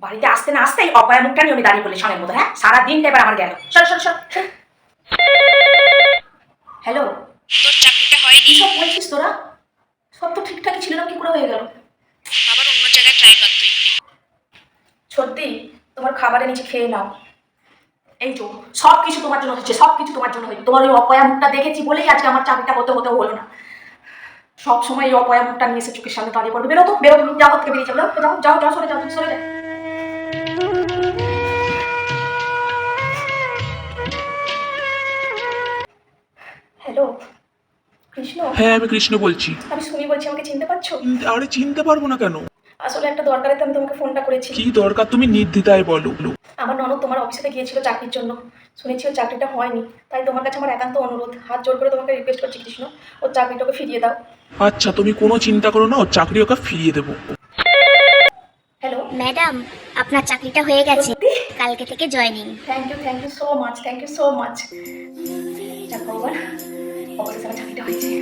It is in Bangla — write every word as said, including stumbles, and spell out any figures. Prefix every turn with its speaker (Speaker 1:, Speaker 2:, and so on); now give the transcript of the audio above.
Speaker 1: বাড়িতে আসতে না আসতেই অপয়া মুখটা নিয়ে আমি দাঁড়িয়ে পড়লি সঙ্গের মতো। হ্যাঁ, সারাদিনটা এবার আমার গেল। সর সর সর। হ্যালো,
Speaker 2: তোর চাকরিটা হয়নি?
Speaker 1: কি সব বলছিস তোরা? সব তো ঠিকঠাকই ছিল না, কি করে হয়ে গেল?
Speaker 2: আবার অন্য জায়গায় ট্রাই কর তুই।
Speaker 1: সত্যি তোমার খাবারের নিচে খেয়ে নাও। এই তো সব কিছু তোমার জন্য হচ্ছে, সব কিছু তোমার জন্য হচ্ছে। তোমার ওই অপয়া মুখটা দেখেছি বলেই আজকে আমার চাকরিটা হতে হতে হলো না। সব সময় এই অপয়া মুখটা নিয়ে এসে চোখের সামনে দাঁড়িয়ে পড়বে। বেরো তো, বেরো, তুমি যাও, থেকে বেরিয়ে যাও, যাও যাও যাও, সরে যাও, সরে যাও। হ্যালো কৃষ্ণ।
Speaker 3: হ্যাঁ, আমি কৃষ্ণ বলছি।
Speaker 1: আমি সুমি বলছি, আমাকে চিনতে পারছো?
Speaker 3: চিনতে- আরে চিনতে পারবো না কেন?
Speaker 1: আসলে একটা দরকারে তো আমি তোমাকে ফোনটা করেছি।
Speaker 3: কি দরকার, তুমি নির্দ্বিধায় বলো।
Speaker 1: আমার ননদ তোমার অফিসে গিয়েছিল চাকরির জন্য, শুনেছি ওর চাকরিটা হয়নি। তাই তোমার কাছে আমার একান্ত অনুরোধ, হাত জোর করে তোমাকে রিকোয়েস্ট করছি কৃষ্ণ, ওর চাকরিটাকে ফিরিয়ে দাও।
Speaker 3: আচ্ছা, তুমি কোনো চিন্তা করো না, ওর চাকরি ওকে ফিরিয়ে দেবো।
Speaker 1: হ্যালো
Speaker 4: ম্যাডাম, আপনার চাকরিটা হয়ে গেছে,
Speaker 1: সত্যি?
Speaker 4: কালকে থেকে joining.
Speaker 1: Thank you, thank you so much, thank you so much. যাক ভগবান, অবশেষে আমার চাকরিটা হয়েছে।